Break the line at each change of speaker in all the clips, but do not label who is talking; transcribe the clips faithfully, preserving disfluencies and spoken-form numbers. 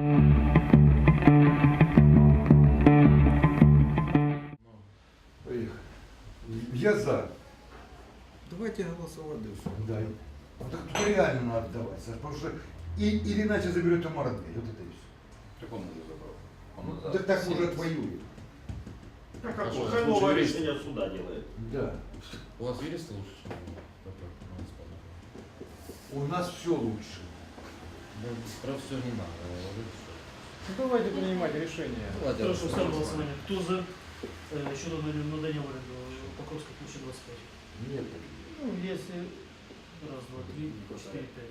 Я за.
Давайте голосовать дальше.
Да. Вот так тут реально надо давать, Саш, потому что и, или иначе заберет ему родные. Вот это и все.
Так он уже забрал. Он
Ну,
за.
так так уже отвоюет.
А как
Хорошо,
Хайлова
лучше
решение суда делает.
Да.
У вас юристы лучше, чем у
У нас все лучше.
Про все не надо.
Ну, давайте принимать решение.
Хорошо, ставим голосование. Кто за э, щодо надання в оренду Покровской площади двадцать пять?
Нет.
Ну, если раз, два, три, четыре, пять.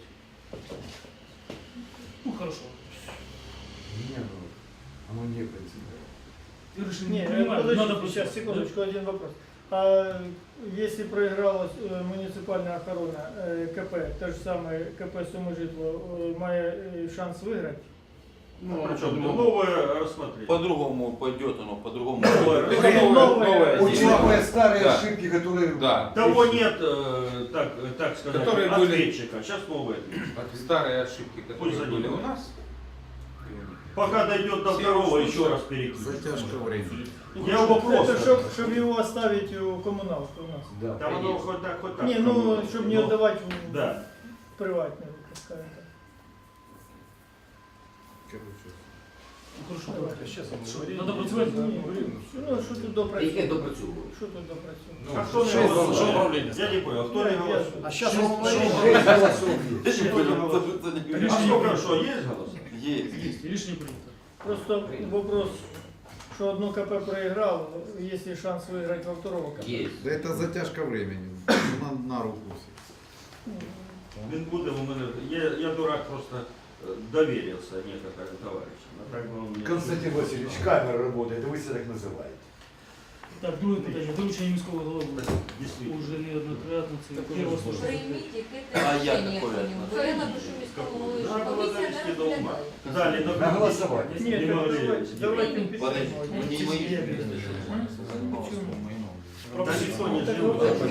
Ну, хорошо.
Не, ну, оно не принципиально.
И решили,
Не,
не принимаем,
подождите,
надо
сейчас,
просто-
секундочку, один вопрос. А если проиграла э, муниципальная охрана э, КП, то же самое КП Сумижитло, э, має э, шанс выиграть?
Ну, причем новое рассмотреть.
По-другому пойдет оно, по-другому.
Новое.
Это новое.
Учитывая старые
Да.
ошибки, которые...
Да.
Того нет, э, так, так сказать,
Которые были-
ответчика. Сейчас новый ответчик.
Старые ошибки,
Пусть
которые были у
занимают.
нас.
Пока дойдет до
Все
второго,
уже
еще раз перекинуть.
Затяжка времени.
Я его просто...
Это чтоб, чтоб его оставить у коммуналки у нас.
Да.
Там оно хоть так, хоть так.
Не, ну,
кому-то.
чтобы не
Но-
отдавать в
Да.
приватные, скажем так.
Короче.
Ну, хорошо,
Давай.
давайте.
Сейчас
Що,
говорили.
надо працювати?
Ну, що тут
Яке
допрацювати?
допрацьовує?
Що тут допрацювати?
А кто не
Що
голосует?
управління
Я не понял, кто не
Я-
голосует?
А сейчас
Шесть голосов есть.
Кто не голосует? А сколько, что, есть голос?
Есть.
Есть, рішення прийнято.
Просто вопрос, что одно КП проиграл, есть ли шанс выиграть во второго КП?
Є.
Да это затяжка времени. На, на руку всем.
Він буде у мене. Я, я дурак просто э, доверился некоторым товарищам. А так бы он мне-
Константин Васильевич, камера работает, и вы себя так называете.
Так, друге питання. Доручення міського голови.
Действительно.
Уже неоднократно. Це
Так
перше
уже
слушання.
Прийміть
А
яке
я
рішення
такое
по ньому. Бо я напишу міському голові, що
Надо
комісія не
довести до ума.
розглядає.
Далі
На голосование.
Нет,
Не
так
говорили.
давайте, давайте им
Подожди,
письмо.
не мои юристы.
Да никто не
Так
живет.
вот,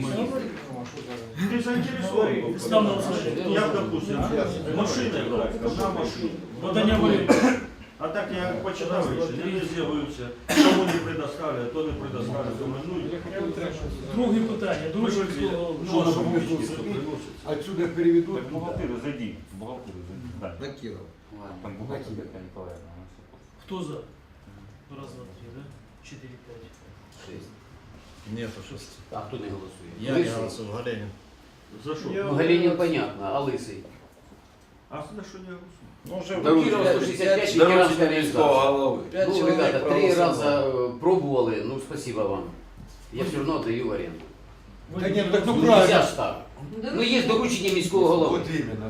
Ты заинтересован.
Став на голосування.
Я, допустим, машиной брать, одна машина.
Подання в оренду.
А так я почитав рішення, не з'явився, кому не предоставили, то не предоставили. Думаю, ну,
Друге питання. Доручення міського голови.
ну, а що
Чтобы
мені
тут
приносить?
Отсюда переведут.
Так, бухгалтерию зайди, в бухгалтерию зайди. Да.
Накидал.
Там бухгалтер Татьяна Николаевна. она всё просто.
Хто за? Раз, два, три, да? Чотири, п'ять.
Шесть.
Нет, шесть.
А хто не голосує?
Я не
Лисий?
голосую, Галенин.
За що?
Я-
Ну, Галінін понятно, а Лисий?
А за що не голосую?
Ну, уже
Киров сто шестьдесят пять, ветеранская организация.
головы.
Пять
Ну,
человек
ребята, три
проголосовало.
раза э, пробовали, ну, спасибо вам. Я все равно отдаю в аренду.
Да нет, ну так ну
Ну,
правильно.
нельзя ж так. Ну, є доручення міського голови.
Вот именно.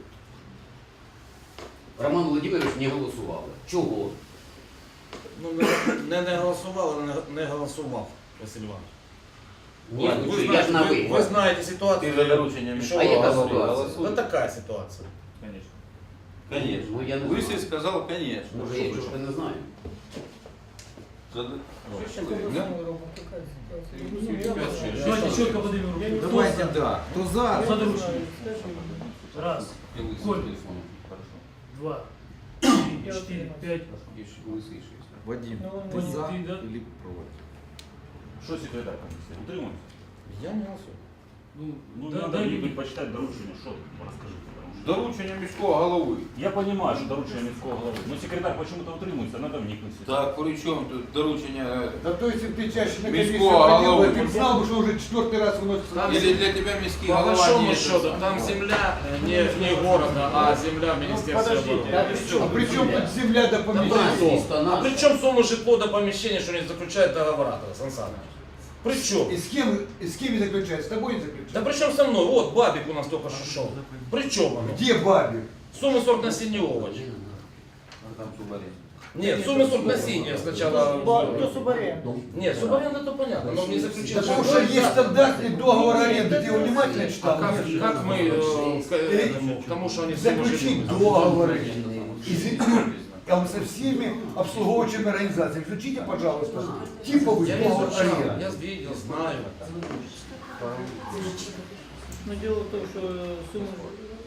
Роман Володимирович не голосував. Чого?
Ну, не, не голосував, не, не голосував, Василь Іванович.
Ні,
Ви
ну, що, я
знаєте,
ж на
ви,
ви.
ви знаєте ситуацію.
Ты за доручением
І що
А яка
ви
ситуація?
голосуєте? Ну, така ситуація.
Конечно.
Конечно.
Ну, я не
Лысый
знаю.
сказал, конечно.
Може, я чого не знаю.
За-
Сейчас
Да?
областной робот, такая ситуация.
Пять, шесть.
Давайте чітко подивимо
Я
руки.
не
Хто
Давайте,
за?
да. Кто за?
За
Я не
доручення.
знаю, скажи.
Раз,
И лысый
Коль.
телефон. Хорошо.
два, три,
Я
чотири,
отримав.
п'ять.
Лисий шість.
Вадим,
Ну,
ты
Вадим,
за
ты, да?
или против?
Что секретарь комиссии? Утримуйся.
Я не голосую.
Ну,
Ну,
да,
надо
дай
мені
мені.
почитати доручення, що тут, розкажи. потому що-
Доручение міського голови.
Я понимаю, что доручение міського голови, но секретарь почему-то утримується, надо вникнуть.
Так, при чому тут доручення?
Да то если бы ты чаще на комиссию
Міського
ходил,
голови.
ты бы знал, бы, что уже четвертый раз выносится.
Или для тебя міський
По
голова
большому
не
счету, там земля э, не, не города, а земля Министерства
подождите,
обороны.
А при чем тут земля до
Да,
помещения?
місто
А
наше.
при чем сумма житло до помещения, что не заключает договора, Сан Саныч? При чем?
И с кем, и с кем не заключает? С тобой не
Да
заключает?
при чем со мной? Вот Бабик у нас только что шел. При чем оно?
Где Бабик?
Сумма сорок насіння овочей.
Там субарен.
Нет, сумма сорок насіння сначала.
Кто субаренду?
Нет, субаренда то понятно, но не заключил.
Да потому что есть стандартный договор аренды. Ты его внимательно читал?
Как, как мы э, к этому, к тому, что они сумму
Заключить
житло?
договор. И за- там со всеми обслуговывающими организациями. Включите, пожалуйста, типовый
Я
договор
изучал,
аренды.
я видел, знаю.
Но дело в том, что сумма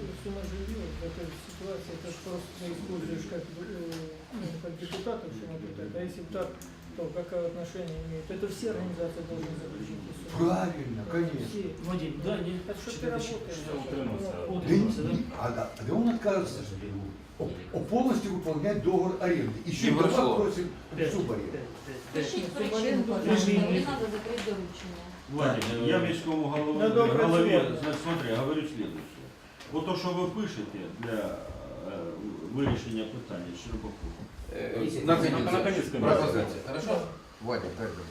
сумасжилье в этой ситуации, это ж просто ты используешь как, э, ну, как депутатов, что наблюдать. А если бы так, то какое отношение имеет? Это все организации должны заключить СУ.
Правильно, конечно.
Все.
Вадим, да, не?
Это что ты работаешь?
Что утримався?
Да,
Утримався, да?
не- а, да, да он отказывается о- о полностью выполнять договор аренды. Еще
Не
и
прошло.
дома просим
Пять,
субаренду.
пять, пять, пять.
Пишіть
Пять.
причину, пожалуйста, не треба закрити доручення.
Владимир, я міському голові,
На добре
голові
слово.
значить, смотри, говорю следующее. Вот то, що ви пишете для е, вирішення питання Щербаку,
Э,
Наконец.
Наконец,
Пропозиция. Хорошо? Вадик, как бы.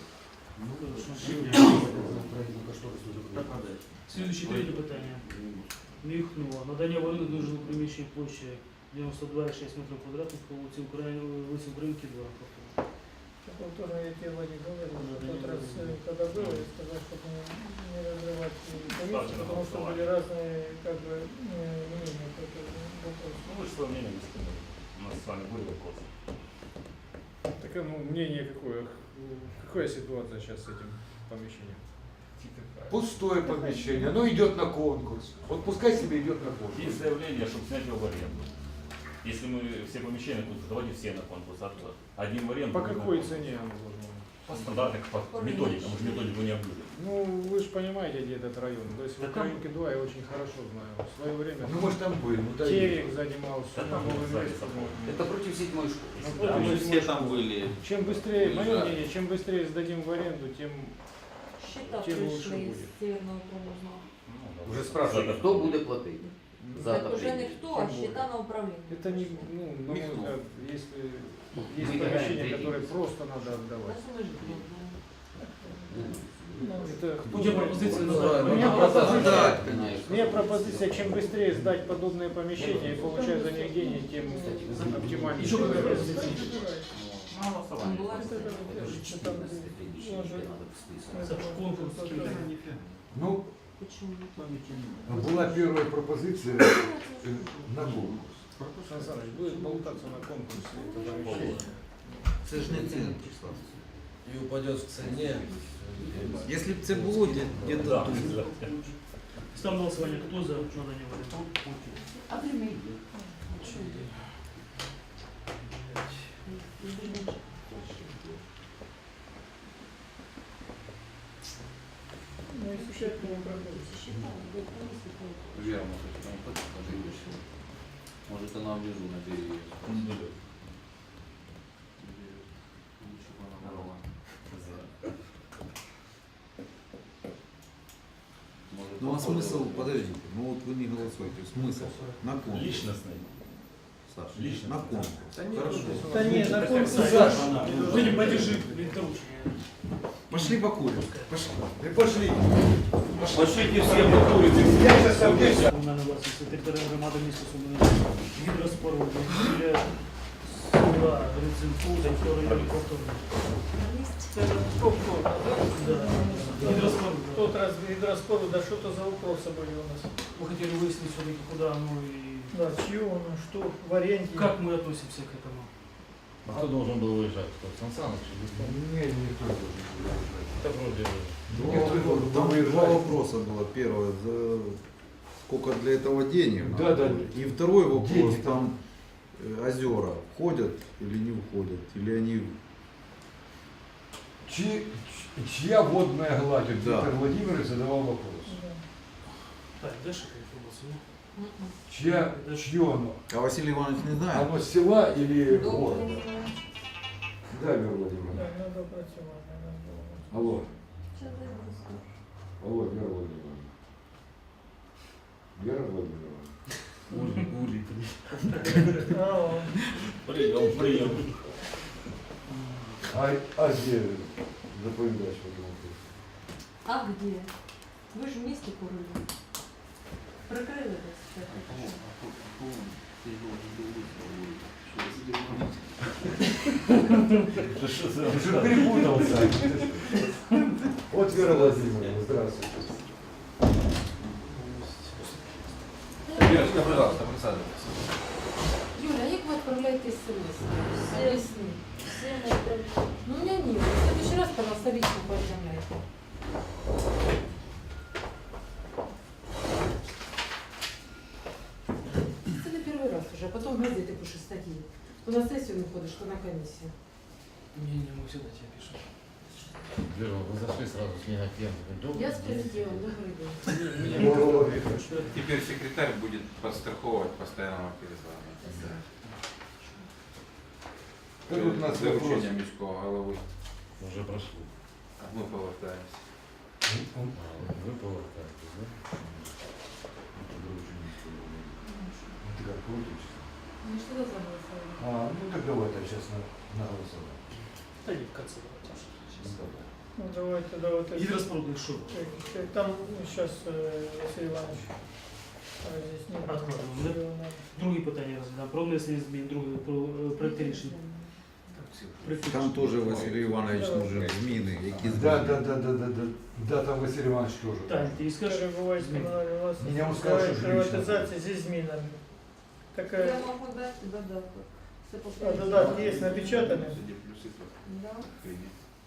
Слідуюче третє питання. Міхнуло. Надання в оренду дуже приміщення площі дев'яносто два і шість метрів квадратних по вулиці України, вулиці Українки два.
Повторно, я тебе, Вадик, говорил, в тот раз, э, когда было, я сказал, чтобы не, не разрывать комиссию, потому что были разные, как бы, э, мнения по этому вопросу.
Ну, вы же свое мнение высказали. У нас с вами были вопросы.
Так, ну, мнение какое? Какая ситуация сейчас с этим помещением?
Пустое помещение, оно идет на конкурс. Вот пускай себе идет на конкурс.
Есть заявление, чтобы снять его в аренду. Если мы все помещения тут, давайте все на конкурс. а то Один в аренду.
По
другой на
какой
конкурс.
цене оно должно быть?
По стандартной, по методике, мы же методику не объявили.
Ну, вы же понимаете, где этот район. То есть в
Да там-
Украинке два я очень хорошо знаю. В свое время
Ну, может, там были. Ну, да,
Терек занимался,
Да там
новым
сзади
местом.
собой.
Это против седьмой школы.
Ну,
Да,
против
мы
седьмой
все там
школы.
были.
Чем быстрее, мое
Выезжали.
мнение, чем быстрее сдадим в аренду, тем
Щита
Тим лучше
прийшли
буде.
з Северного Окружного.
Ну, да.
Уже спрашивают,
За-
Кто будет платить? За
Так уже
отопление.
не хто, а щита на управління.
это не, ну, на мой
Михнул.
взгляд, если есть
Мы
помещения,
играем
которые
третий.
просто надо
На
отдавать.
сумежитло.
Ну,
Это кто
Где
бы-
пропозиция
У
назвать?
меня
Ну,
пропозиция,
да.
у меня пропозиция, чем быстрее сдать подобные помещения и получать за них деньги, тем оптимальнее.
Еще какая пропозиция?
На голосование.
Була
это, это, там, может,
За конкурс.
Ну,
Почему?
была первая пропозиция э, на конкурс.
Сан Саныч, будет болтаться на конкурсе это помещение.
Це ж не цена. І упадет в цене. Если б це було де- где-то
Да,
тут.
да.
Ставимо на голосування. Хто за надання в оренду?
А прямий?
ну, если считать, то не проходит.
Вера, может, там хочет пожить. Может, она внизу на береге.
Он идет.
Лучше бы она брала. Может,
Ну а
походу,
смысл, подождите, ну вот вы не голосуете, смысл на конкурс.
Личностный.
Саша, на конкурс. Хорошо.
Да нет, на конкурс.
Саша,
Вадим, подержи доручення.
Пошли покурим. Пошли.
и пошли.
Пошлите все покурите.
Я сейчас объясню.
Комунальна власність територіальної громади міста Суми. Гідроспоруди біля села Грицинфу, Донського району повторно.
Это повтор.
Да. Гидроспоруда.
В тот раз гидроспору, да что-то за вопросы были у нас.
Мы хотели выяснить все-таки, куда оно и
Да, чье оно, что, в аренде.
как мы относимся к этому.
А кто должен был выезжать? Кто? Сан Саныч?
Не, никто не должен был уезжать.
Это вроде...
Никто не должен был
Там два
уезжать.
вопроса было. Первое, за сколько для этого денег?
Да, да.
И второй вопрос,
Деньги
там э, озера входят или не входят? Или они...
Чи- чья водная гладь? Вот
Да.
Виктор Владимирович задавал вопрос.
Да.
Так, дальше какая информация?
Чья, чье оно?
А Василий Иванович не знает?
Оно села или
Добре.
города? Да, Вера
Да,
Владимировна.
надо працювати, надо було.
Алло. Алло, Вера Владимировна. Вера Владимировна.
Ури, ури.
А,
Прием, прием.
А, а где заповедач в этом вопросе?
А где? Ви ж в місті курили. Прикрили десь.
Это что за...
Ты же перепутался. Вот Вера Владимировна, здравствуйте.
Верочка, пожалуйста, присаживайтесь.
Юля, як ви відправляєтесь в село? Весны. Ну, у меня нет. В следующий раз, пожалуйста, лично поведомляйте. То на сессию выходишь, то на комиссию.
Не-не, мы всегда тебе пишем.
Вы зашли сразу смена тем.
Я с президентом, добрый день.
О, Виктор.
Теперь секретарь будет подстраховывать постоянного перезвона.
Как тут у нас вопрос?
Доручение міського голови.
Уже прошло.
Ми повертаємося.
Вы повертаетесь, да?
Ты как крутишься?
Ну что за голосование?
А, ну так давай так сейчас на, на голосование.
Да не, в конце давайте.
Ну, давайте, давайте.
И распродай шоу.
Э, Там сейчас Василий Иванович разъяснит.
Откладываем, да? Другі питання розглядаємо. Про внесення змін, друге, про е, проекти рішення. Проекти
Там
рішення.
тоже Василий Иванович нужен зміни, які
Да,
зміни.
да, да, да, да, да. Да, там Василий Иванович тоже.
Так, ти скажеш?
Перебувають
Зміни.
комунальні власності.
Ні, я вам скажу, що
Приватизація зі змінами. Така,
Я могу дать додаток. Це
а додатки є напечатані.
Тоді плюси
Да.
прийняті.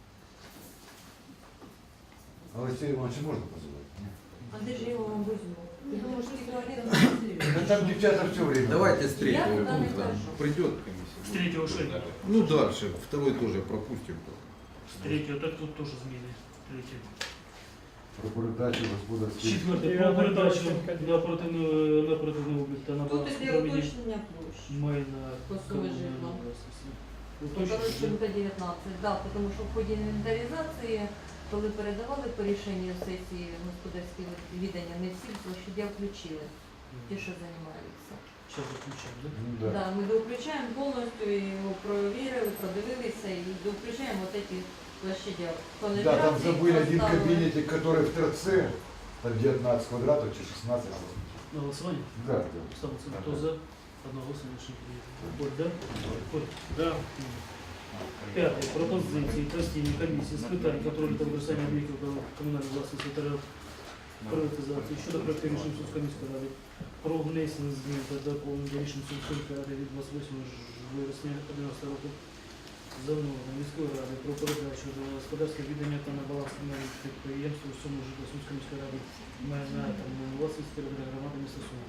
А Василия Ивановича можно позвать?
А де ж я його вам возьму? Ти думаєш, ти туалет
Да там девчата все время.
Давайте с
Я
третьего
туда не
пункта.
хожу.
Придет комиссия.
З третього що? йде?
Ну дальше, второй тоже пропустим.
З третього, так тут теж зміни. Третє.
Про передачу господарських.
Четверте,
Я
про
на
передачу
точно
на оперативну, на оперативну облік та на
Тут
баланс
іде
управління
уточнення площі.
майна
По суми
комунальної
житла.
власності.
Ну, коротше,
Уточнення.
буде дев'ятнадцять, да, тому що в ході інвентаризації, коли передавали по рішенню сесії господарське відання, не всі площадя включили, ті, що займаються.
Зараз заключаємо, да?
Ну, да.
Да, ми довключаємо повністю, і його провірили, подивилися і довключаємо от ці площадя. По
Да, там
нумерації
забыли один
поставили.
кабинетик, который в торце, там девятнадцать квадратов, чи шестнадцать.
На голосування?
Да, да.
Ставиться. Хто за? Одноголосно рішення прийнято. Коль, да? Коль. Да. П'яте. Пропозиції постійної комісії з питань контролю та використання об'єктів комунальної власності та приватизації щодо проекту рішень Сумської міської ради про внесення змін та доповнення рішень Сумської ради від двадцять восьмого вересня одинадцятого року за мною міської ради про передачу до господарського віддання та на баланс комунальних підприємств у суму житла Сумської міської ради майна та власності територіальної громади міста Суми.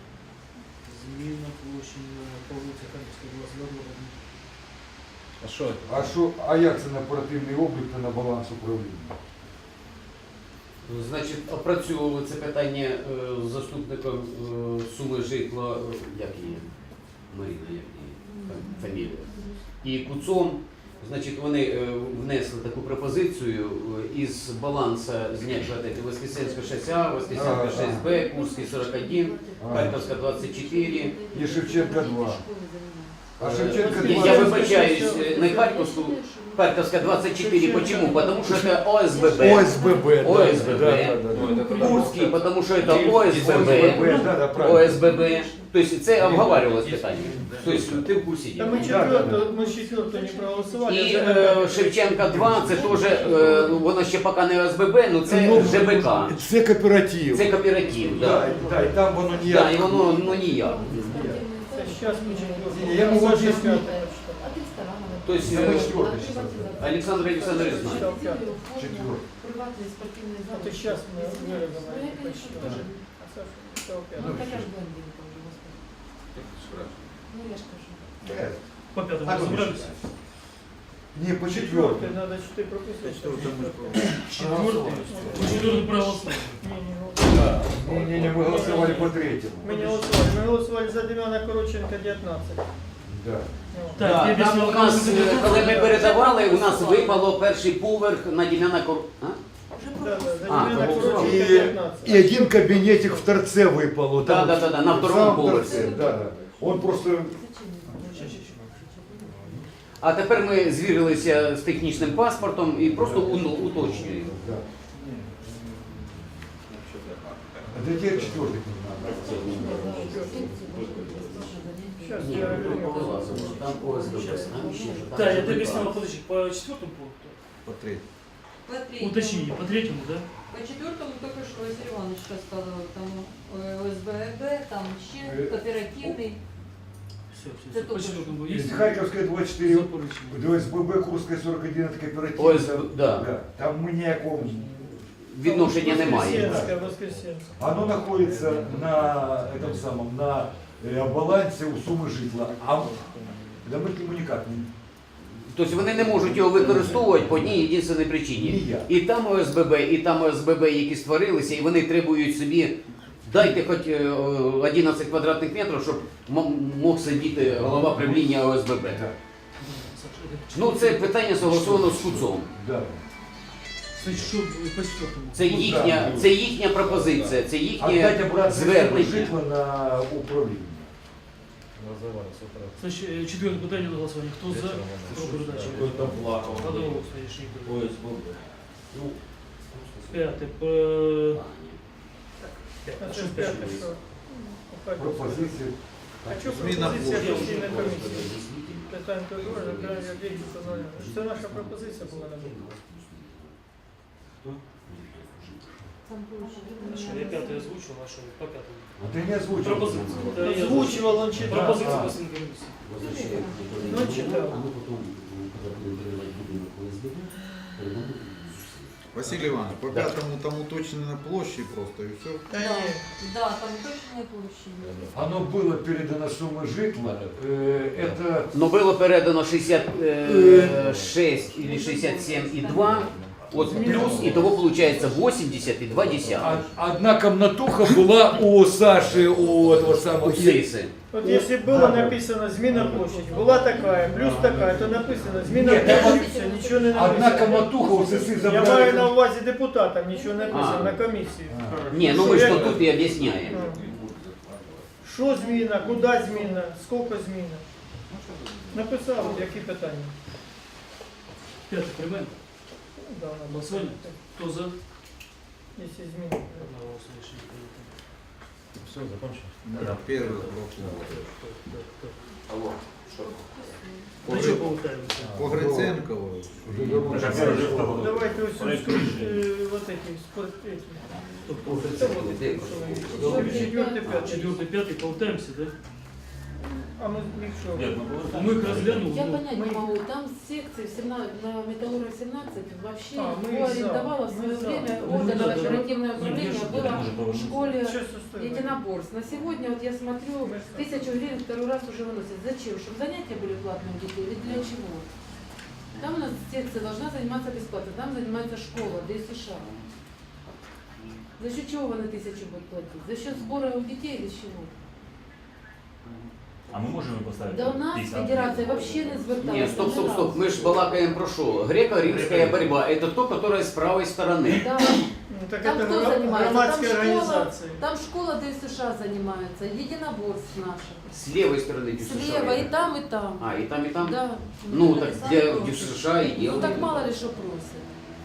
Зміна площі по вулиці Харківська двадцять два.
А що?
А що, а як це на оперативний облік та на баланс управління?
Значить, опрацьовували це питання е, з заступником е, суми житла, е, як її, Маріна, як її фам- фамілія, і Куцом. Значить, вони е, внесли таку пропозицію е, із балансу зняти Воскресенська шість А, Воскресенська шість Б, Курський сорок один, Харківська двадцять чотири.
І Шевченка два. А Шевченка
Я,
два.
я вибачаюсь, э, не Харьковскую, Харьковская двадцать четыре. Почему? Потому что это ОСББ.
ОСББ. да,
ОСББ.
да, да, да.
Курский, потому что это ОСББ.
ОСББ, да, да, правильно.
ОСББ. То есть це обговаривалось питання. То есть ти в курсі
Та
діла.
ми четверту, ми четверту не проголосували.
І
а за
е,
п'яту.
Шевченка два, це теж, е, воно ще поки не ОСББ, ну це
Ну,
ЖБК.
Це кооператив.
Це кооператив,
Да,
да.
да, і там воно
Да,
ніяк.
і воно ну, ніяк.
Це зараз ми четверту.
Я можу
За
об'яснити.
п'яту.
А ти старана.
То есть,
Я
э,
на четвертый сейчас разбираю.
Олександр Олександрович знає.
Четвертый.
Приватний спортивний
А
зал.
то зараз ми
Ну,
виробимо.
я, конечно, тоже.
А Саша, це опять.
Ну, так я ж блондинка вже, господи. Ну, я ж кажу.
Э,
По п'ятому
так вот
розібрались?
считаю. Не, по
Четвертый,
четвертому.
надо четыре прописать. чтобы
Четвертий. Четвертий проголосували.
Не, не, ну,
Не, не, не, мы голосовали по третьему.
Ми не голосували. Ми голосували за Дем'яна Коротченка дев'ятнадцять.
Да.
Ну,
Так,
Да,
я
там
об'ясню,
у нас,
коли
е,
ми
коли ми передавали, у нас
Голосували.
випало перший поверх на Дім'яна Кор... А?
Вже
Да, да, за
А,
Дем'яна
то
Коротченка
И,
дев'ятнадцять.
и один кабинетик в торце выпало.
Да,
там
да, да, да, на
в
втором
самом
поверхе.
торце, Да, да. Он просто...
А тепер ми звірилися з технічним паспортом і просто уно- уточнюємо.
Да. А до теперь четвертый не надо.
Сейчас
Ні,
я
ну,
верну.
вилазимо, там ОСББ, там ще ж, там
Так, я
же
тебе
ЖБК.
объяснял, подожди, по четвертому пункту.
По третьему.
По третьему.
Уточни, по третьему, да?
По четвертому только что Василий Иванович рассказывал, там э, ОСББ, там ще
Э,
кооперативный.
Все, все,
Это
все. По
только
четвертому
Есть
есть?
Харьковская двадцать четыре,
Запорожье.
до СББ, Курская сорок один, это кооператив.
ОСБ, да.
Да. Там мы ніякого...
Відношення немає.
Воскресенська, Воскресенська.
Оно находится на этом самом, на э, балансе у суммы житла. А Да мы к нему никак не...
Тобто вони не можуть його використовувати по одній єдиній причині.
Ніяк.
І там ОСББ, і там ОСББ, які створилися, і вони требують собі, дайте хоч е, одинадцять квадратних метрів, щоб м- мог сидіти голова правління ОСББ. Ну це питання согласовано з КУЦом.
Да.
Це що по четвертому?
Це їхня, це їхня пропозиція, це
Отдать
їхнє
обратно
звернення.
житло на управління.
Значить, е, четверте питання на голосування. Хто за? Про передачу.
Какой-то плакал.
Одноголосно рішення прийнято.
ОСББ.
П'яте. Е,
А
П'яте. Що
це
п'яте?
п'яте, що? Опять.
Пропозиції.
А що
Зміна
пропозиція
площі.
постійної комісії? Питань то дуже, забирання деньги виконання. Це наша пропозиція була на думку.
Там площа.
Що, я п'яте озвучив, а що по п'ятому?
А ти не озвучив.
Пропозицію. Та я
Озвучував, он читав.
Пропозицію
А.
постійної комісії.
Ну, читав.
Василий Иванович, по пятому там уточнено площади просто и все.
Та
Да,
ні.
да, там точно площі.
Оно было передано сумма житла. Э, Это
Но було передано шістдесят шість или шістдесят сім і два, от плюс, і того виходить вісімдесят і два десятих.
од- одна комнатуха была у Саши, у этого самого.
У Сиси.
От якщо було написано зміна площаді, була така, плюс така, то написано зміна
Ні, там
площі, все, нічого не
Одна
написано.
комнатуха у Сиси
Я
забрали.
маю на увазі депутатам, нічого не написано
А.
на комісії.
Ні, ну ми ж то тут і об'ясняємо.
Що зміна, куди зміна, скільки зміна. Написали, які питання.
П'яте приймемо.
Да, на
Голосування. Хто за?
Якщо зміни.
Одноголосно рішення прийнято.
Все, закончил.
Первый вопрос.
Алло, что?
До чого повертаємося?
По Гриценкову.
Давайте ось ось, е, вот эти, спорт, эти. Четвертый, пятый.
Четвертий, п'ятий, повертаємося, так?
А мы их что?
Нет, ну было.
Ми їх розглянули.
Я
ну,
понять не могу, там секции в семнадцать, на Металлурга семнадцать вообще
А, мы
его
за,
арендовало в
мы
свое
за.
время
Ну,
органы
да, да.
оперативное
Ну,
управление
конечно,
было
это может
в школе
Сейчас устроим.
единоборств. На сегодня вот я смотрю, тысячу гривен второй раз уже выносят. Зачем? Чтобы занятия были платные у детей или для чего? Там у нас секция должна заниматься бесплатно, там занимается школа, ДСШ. За счет чего вы на тысячу будут платить? За счет сбора у детей или чего?
А мы можем его поставить?
Да у нас
пятьдесят?
федерация вообще не зверталась.
Ні, стоп, стоп, стоп. Ми ж балакаємо про що? Греко-римська борьба. Это то, которое с правой стороны.
Да.
Ну, так
Там
это
кто
гра-
занимается?
громадские
Там школа,
организации.
там школа ДСШ занимается, единоборств наших.
С левой стороны ДЮСШ.
Слева и там, и там.
А, и там, и там?
Да.
Ну, так
Написали
для
тоже.
ДЮСШ и
Ну
делали.
так мало ли что просят.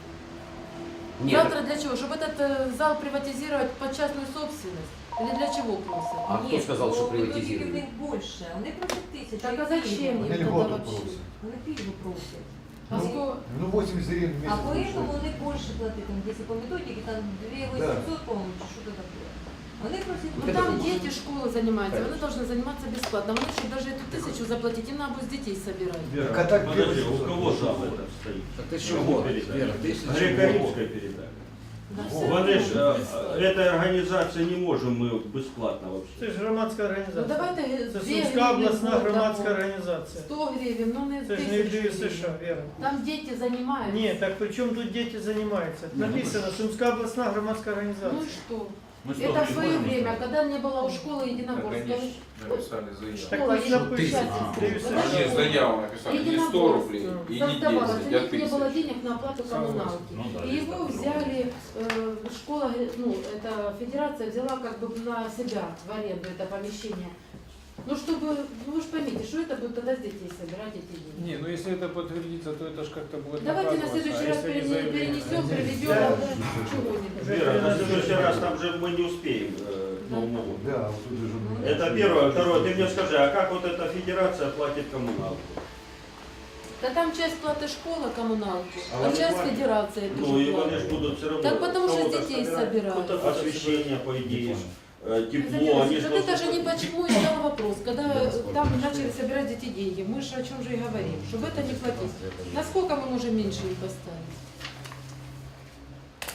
Нет,
Завтра для чего? Чтобы этот э, зал приватизировать под частную собственность? Или для чего просят?
А кто сказал, что приватизируют?
У них більше, вони просять тисячу.
Так а зачем
Они
им тогда
льготу
вообще?
просят.
Вони пільгу просять.
А сколько?
Ну, восемьдесят гривен в
А
месяц.
поэтому вони більше платять, там, якщо по методиці, там две тысячи восемьсот, по-моему, чи що це таке. Вони просять,
Ну там дети школы занимаются, они должны заниматься бесплатно. Они, чтобы даже эту тысячу заплатить, им надо будет с детей собирать.
Вера,
Так, а так
подожди,
первый
у
вопрос.
кого же об этом стоит?
Так ты что,
Кому
вот,
передали?
Вера, ты если
Греко-римская передали.
Да,
Вони ж,
всё.
е, этой организации не можем мы бесплатно
Це
вообще.
ж громадська
Ну
організація.
давайте
Це
две
Сумська
гривны
обласна
в год
громадська
дамо.
організація.
сто гривен, ну не
Це ж не
тысячу
ДЮСШ,
гривен.
Вера.
Там дети занимаются.
Ні, так при чому тут діти займаються? Написано Сумська обласна громадська
Ну
організація.
и что?
Мы что,
Это в
не
свое
можем
время,
оставить?
когда не было у школы
Так
единоборств.
они ж написали заяву.
Так
Школа
ось написано.
единоборств.
ДЮСШ.
Они заяву написали, не сто рублей и не
Создавалось,
десять,
у
а
них не было
тысяч.
денег на оплату коммуналки.
Ну да,
И
есть
его
такое.
взяли, э, школа, ну, эта федерация взяла как бы на себя в аренду это помещение. Ну, чтобы, ну вы же поймите, что это будет тогда с детей собирать эти деньги.
Не, ну если это подтвердится, то это же как-то будет
Давайте на
наказываться,
следующий
а
раз
если не
перене-
заявление?
перенесем, приведем
Да.
да, чего-нибудь.
Вера, на следующий раз там же мы не успеем э, к Новому году.
Да, вот тут же.
Это первое. Второе, ты мне скажи, а как вот эта федерация платит коммуналку?
Да там часть платы школа коммуналку,
А
а,
они
часть
платят?
федерация
Ну
тоже
и они
платит.
же будут все равно
Так потому что с
кого-то
детей
собирать.
собирают.
Освещение, по идее, э, тепло,
Знаете,
они же
вот это же
должны-
не почему и стал вопрос, когда там начали собирать эти деньги, мы же о чем же и говорим, чтобы это не платить. Насколько мы можем меньше их поставить?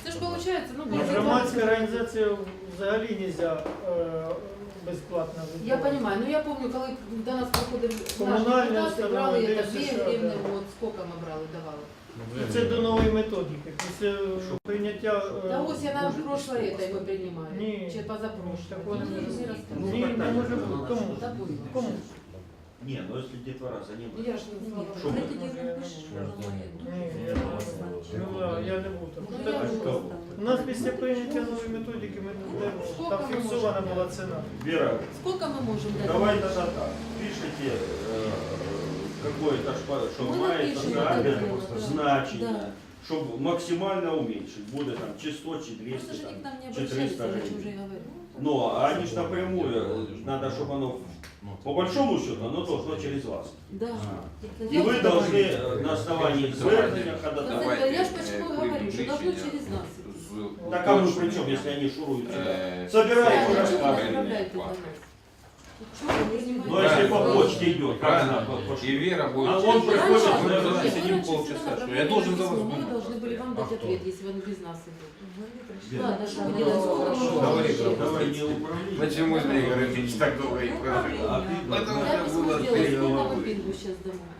Це ж виходить, ну,
Ні,
буде
громадська організація взагалі нельзя е, безплатно
Я
вибирати.
понимаю, ну я помню, коли до нас приходили
Комунальні
наші депутати,
установи,
брали
де
это
все
дві
що,
гривни,
да.
от, сколько ми брали, давали.
Це до нової методики. Після прийняття... е,
Та ось я на прошлое это ми приймали,
Ні.
чи позапрошлое.
Такого не може бути.
Ну,
Ні,
так,
не
так,
може
так,
бути.
так.
Кому?
Та було.
Кому?
Не, ну если детвора за ним.
Я ж не знала.
Що ми?
Ні, я не знаю. Ну, да, я не був там.
Ну,
Так,
я
що?
була.
У нас після прийняття нової методики ми не- там фіксована була ціна.
Вера,
Сколько мы можем дать?
давай тогда так. Пишите э, какое-то, шпа- что
Мы
має
напишем
соціальне
это дело, да.
значення,
Да.
щоб максимально уменьшить. Буде там чи сто, чи
Просто
двести,
же
там,
они к нам не
чи
обращались,
триста
я же
гривен.
уже говорю.
Ну, а они ж напрямую, э, надо, чтобы оно, по большому счету, оно должно через вас.
Да.
И вы должны э, на основании звернення ходатайствовать.
Я ж почему
Э,
говорю, что должно
увеличение
через нас.
з-
Так а мы при чем, если они шуруют сюда?
Э,
Собираете,
Правильно, чего вы
рассказываете.
направляете до нас? Чего вы принимаете?
Ну, если по почте идет, как
Правильно.
она по- по-
И Вера будет.
А он приходит,
мы
наверное,
должны
Нет,
сидим
вы раньше
полчаса,
всегда
что я должен за вас
письмо, Мы
думать.
должны были вам дать
А кто?
ответ, если он без нас идет.
Вера,
Ладно, что мы делаем? Сколько мы можем
Говори,
еще?
говори.
Давай не управление.
Почему Змей Городович так долго их прожил?
Обидно.
Это
Я
уже
письмо
было
сделала,
три
сколько мы
головы.
пингу сейчас домой?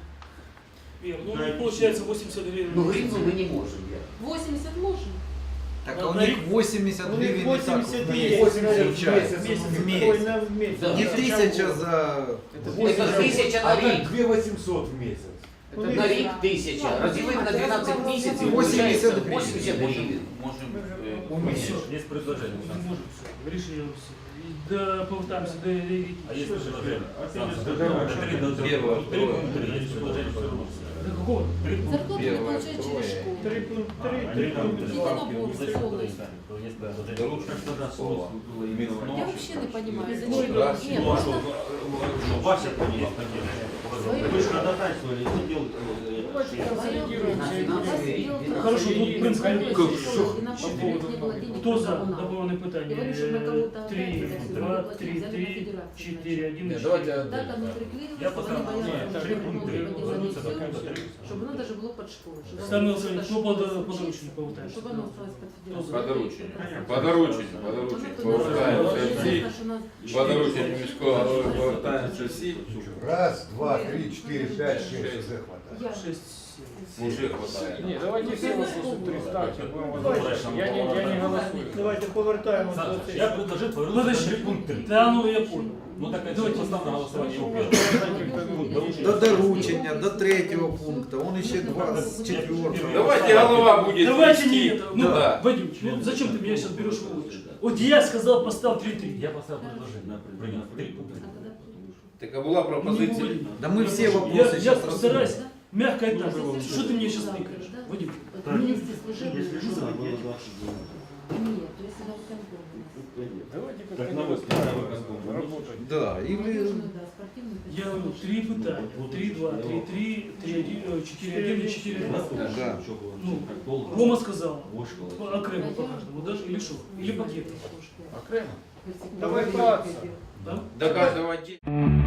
Вер, ну получается восемьдесят гривен.
Ну гривну ми не можемо. я.
восемьдесят можем?
Так
а
у
у
них
них
восемьдесят
У них
гривен и так
восемьдесят
в
есть.
месяц
Месяц.
получается.
Месяц.
В
Ой,
месяц.
на- в месяц.
Да.
Не тысяча за...
Це тисяча на рік.
две восемьсот в месяц.
У
На
них-
рік тисяча. Розділити на дванадцять місяців.
восемьдесят
виходить
гривен.
вісімдесят гривень.
Можем
Ну,
э,
всё,
Есть предложение.
не можем все. Решили все. И да, повертаемся до религии.
А есть предложение? Сам скажи.
Первое,
Это три до-
первое,
три
второе.
пункта есть предложение.
До какого?
Три пункта.
Зарплату мы
Первое,
получаем через
второе.
школу.
Три пункт
А,
три,
они
три
там
пункт
три
два.
ставки,
набор
не зачем
полный.
туда ставить, то есть предложение.
Доручно
Тогда
слово.
было именно в
Я вообще не понимаю,
Ну,
зачем.
да.
Нет,
Ну, а что,
просто
что, Вася поняла?
свои
Вы же ходатайствовали, сидел, э,
Давайте
это,
консолидируемся и будем.
Хорошо, тут принцип.
И на почту не было денег.
Кто за
на
добавленное
Я
питание?
говорю, что на кого-то
Три,
опять это всё
два,
заплатили,
три,
взяли на
три,
федерацию,
четыре, один,
Нет,
четыре.
давайте
Так оно приклеилось,
Я
чтобы они
поставлю.
боялись,
Нет,
что
три
они
пункта.
могут поделать
Вернуться до
всё,
пункта три.
чтобы оно даже было под школу. чтобы оно
Самый
было
Александрович,
под
ну
школу
под
учиться,
подручник повертаешь.
чтобы оно осталось под федерацию.
Подручник.
Понятно.
Подручник, подручник.
Оно туда
Повертаємося
зашло.
всі.
Известно, что нас-
Подручник міського голови повертаємося всі.
Раз, два, три, четыре, пять, шесть, уже хватает.
Я.
Шесть, семь.
Уже хватає.
Не, давайте все выслушаем три ставки. будем возвращаться. Я не, я не голосую.
Давайте повертаємося до
Саша,
цих.
я предложил повернуться на три пункт три.
Да, ну я понял.
Ну так это
Давайте.
поставь на голосование его первым.
До доручення, до третього пункту, он ще два з четвертого.
Давайте голова будет.
Давайте не
вести.
это. Ну,
Да.
Вадим, ну зачем ты меня сейчас берешь в руки? Вот я сказал, поставь три-три.
Я поставил предложение. Принять три пункта.
Так а була
Ну, не
пропозиція.
Вадим.
Да мы все
Я,
вопросы
я
сейчас
постараюсь
рассмотрим.
мягко и так. Что ты мне сейчас тыкаешь? Вадим,
Вместе служебные.
если что, надо было двадцать дней.
Нет, то есть она в конкурсе у нас.
Давайте
Так
как-то
на
не
выставке, на выставке.
работать.
Да, или...
Молодежную, да, спортивную.
я говорю, три питания. Три, два, три, три, три, один, э, четыре, один и четыре, два.
Да.
Ну, Рома сказал,
Вошкала.
по- окремо по каждому, даже или что? Или пакет.
Окремо.
Если
Давай
кто-то
праться.
видел.
Да?
До каждого отдельно.